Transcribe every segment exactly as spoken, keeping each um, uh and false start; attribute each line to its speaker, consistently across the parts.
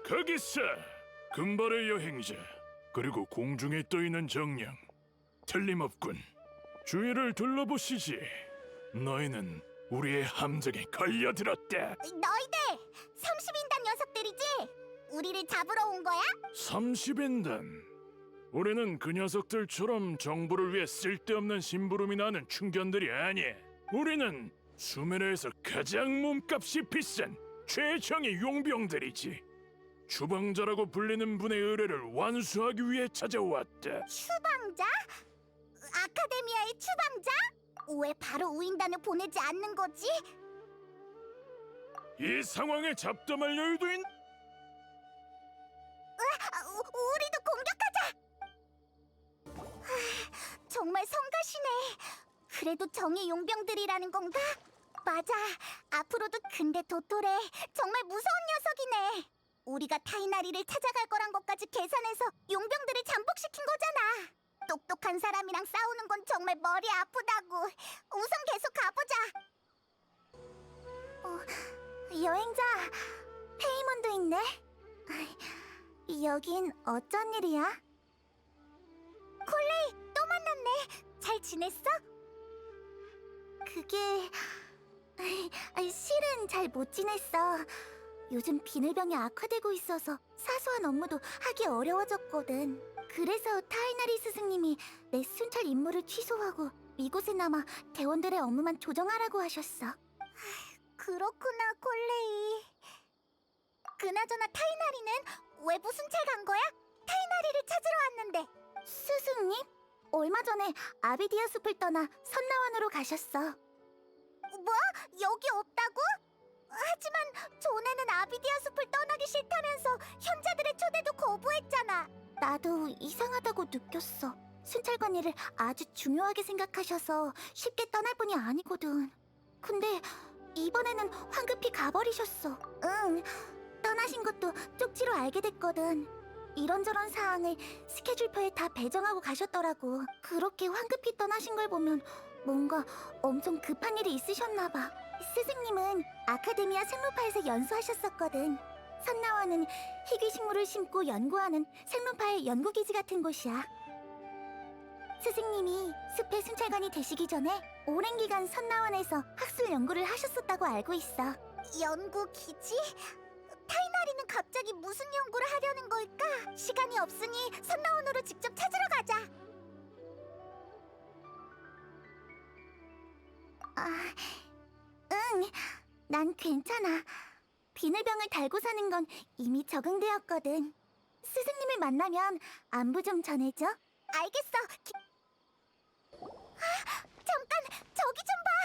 Speaker 1: 거기서 금발의 여행자 그리고 공중에 떠있는 정령 틀림없군. 주위를 둘러보시지. 너희는 우리의 함정에 걸려들었다.
Speaker 2: 너희들 삼십 인단 녀석들이지? 우리를 잡으러 온 거야?
Speaker 1: 삼십 인단. 우리는 그 녀석들처럼 정부를 위해 쓸데없는 심부름이 나는 충견들이 아니야. 우리는 수메르에서 가장 몸값이 비싼 최정의 용병들이지. 추방자라고 불리는 분의 의뢰를 완수하기 위해 찾아왔다.
Speaker 2: 추방자? 아카데미아의 추방자? 왜 바로 우인단을 보내지 않는 거지?
Speaker 1: 이 상황에 잡담할 여유도 있...
Speaker 2: 아, 우, 우리도 공격하자! 하, 정말 성가시네. 그래도 정의 용병들이라는 건가? 맞아. 앞으로도 근데 도토레 정말 무서운 녀석이네. 우리가 타이나리를 찾아갈 거란 것까지 계산해서 용병들을 잠복시킨 거잖아. 똑똑한 사람이랑 싸우는 건 정말 머리 아프다고. 우선 계속 가보자. 어, 여행자 페이몬도 있네. 여긴 어쩐 일이야? 콜레이, 또 만났네. 잘 지냈어? 그게... 실은 잘 못 지냈어. 요즘 비늘병이 악화되고 있어서 사소한 업무도 하기 어려워졌거든. 그래서 타이나리 스승님이 내 순찰 임무를 취소하고 이곳에 남아 대원들의 업무만 조정하라고 하셨어. 그렇구나, 콜레이. 그나저나 타이나리는 왜 순찰 간 거야? 타이나리를 찾으러 왔는데. 스승님? 얼마 전에 아비디아 숲을 떠나 선나원으로 가셨어. 뭐? 여기 없다고? 하지만 전에는 아비디아 숲을 떠나기 싫다면서 현자들의 초대도 거부했잖아. 나도 이상하다고 느꼈어. 순찰관 일을 아주 중요하게 생각하셔서 쉽게 떠날 분이 아니거든. 근데 이번에는 황급히 가버리셨어. 응, 떠나신 것도 쪽지로 알게 됐거든. 이런저런 사항을 스케줄표에 다 배정하고 가셨더라고. 그렇게 황급히 떠나신 걸 보면 뭔가 엄청 급한 일이 있으셨나 봐. 스승님은 아카데미아 생로파에서 연수하셨었거든. 선나와는 희귀식물을 심고 연구하는 생로파의 연구기지 같은 곳이야. 스승님이 숲의 순찰관이 되시기 전에 오랜 기간 선나원에서 학술 연구를 하셨었다고 알고 있어. 연구기지? 타이나리는 갑자기 무슨 연구를 하려는 걸까? 시간이 없으니 선나원으로 직접 찾으러 가자. 아, 응, 난 괜찮아. 비늘병을 달고 사는 건 이미 적응되었거든. 스승님을 만나면 안부 좀 전해줘. 알겠어. 기... 아, 잠깐, 저기 좀 봐.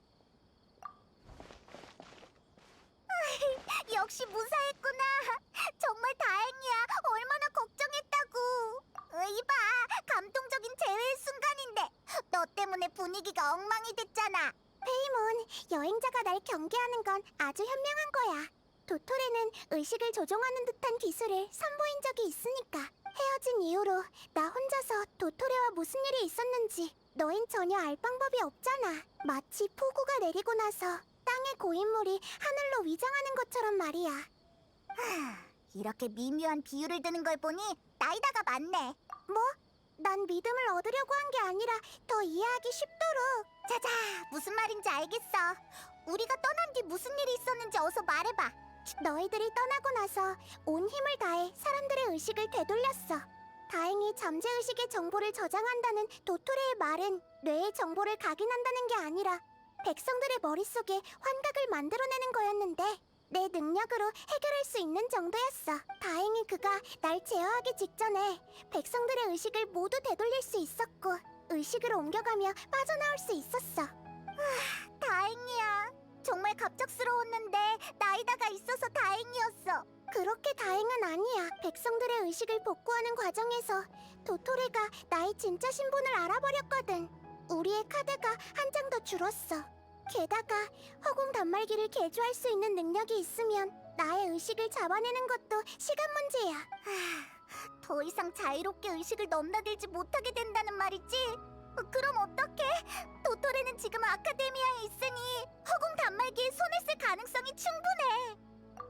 Speaker 2: 역시 무사했구나. 정말 다행이야. 얼마나 걱정했다고. 이봐, 감동적인 재회의 순간인데 너 때문에 분위기가 엉망이 됐잖아. 페이몬, 여행자가 날 경계하는 건 아주 현명한 거야. 도토레는 의식을 조종하는 듯한 기술을 선보인 적이 있으니까. 헤어진 이후로 나 혼자서 도토레와 무슨 일이 있었는지 너흰 전혀 알 방법이 없잖아. 마치 폭우가 내리고 나서 땅의 고인물이 하늘로 위장하는 것처럼 말이야. 하, 이렇게 미묘한 비유를 드는 걸 보니 나이다가 많네. 뭐? 난 믿음을 얻으려고 한 게 아니라 더 이해하기 쉽도록. 자자, 무슨 말인지 알겠어. 우리가 떠난 뒤 무슨 일이 있었는지 어서 말해봐. 너희들이 떠나고 나서 온 힘을 다해 사람들의 의식을 되돌렸어. 다행히 잠재의식의 정보를 저장한다는 도토레의 말은 뇌의 정보를 각인한다는 게 아니라 백성들의 머릿속에 환각을 만들어내는 거였는데 내 능력으로 해결할 수 있는 정도였어. 다행히 그가 날 제어하기 직전에 백성들의 의식을 모두 되돌릴 수 있었고 의식을 옮겨가며 빠져나올 수 있었어. 아, 다행이야. 정말 갑작스러웠는데 나이다가 있어서 다행이었어. 그렇게 다행은 아니야. 백성들의 의식을 복구하는 과정에서 도토레가 나의 진짜 신분을 알아버렸거든. 우리의 카드가 한 장 더 줄었어. 게다가 허공 단말기를 개조할 수 있는 능력이 있으면 나의 의식을 잡아내는 것도 시간 문제야. 하, 더 이상 자유롭게 의식을 넘나들지 못하게 된다는 말이지? 그럼 어떡해? 도토레는 지금 아카데미아에 있으니 허공 단말기에 손을 쓸 가능성이 충분해.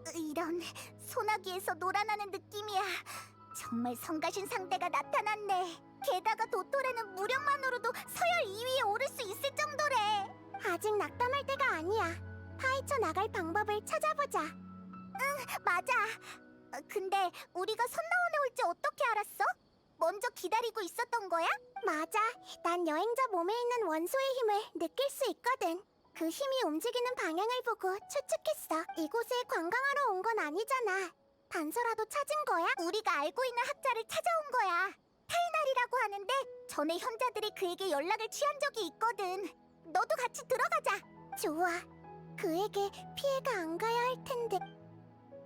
Speaker 2: 이런, 소나기에서 놀아나는 느낌이야. 정말 성가신 상대가 나타났네. 게다가 도토레는 무력만으로도 서열 이 위에 오를 수 있을 정도래. 아직 낙담할 때가 아니야. 파헤쳐 나갈 방법을 찾아보자. 응, 맞아. 어, 근데 우리가 선나원에 올지 어떻게 알았어? 먼저 기다리고 있었던 거야? 맞아. 난 여행자 몸에 있는 원소의 힘을 느낄 수 있거든. 그 힘이 움직이는 방향을 보고 추측했어. 이곳에 관광하러 온 건 아니잖아. 단서라도 찾은 거야? 우리가 알고 있는 학자를 찾아온 거야. 타이날이라고 하는데 전에 현자들이 그에게 연락을 취한 적이 있거든. 너도 같이 들어가자. 좋아. 그에게 피해가 안 가야 할 텐데.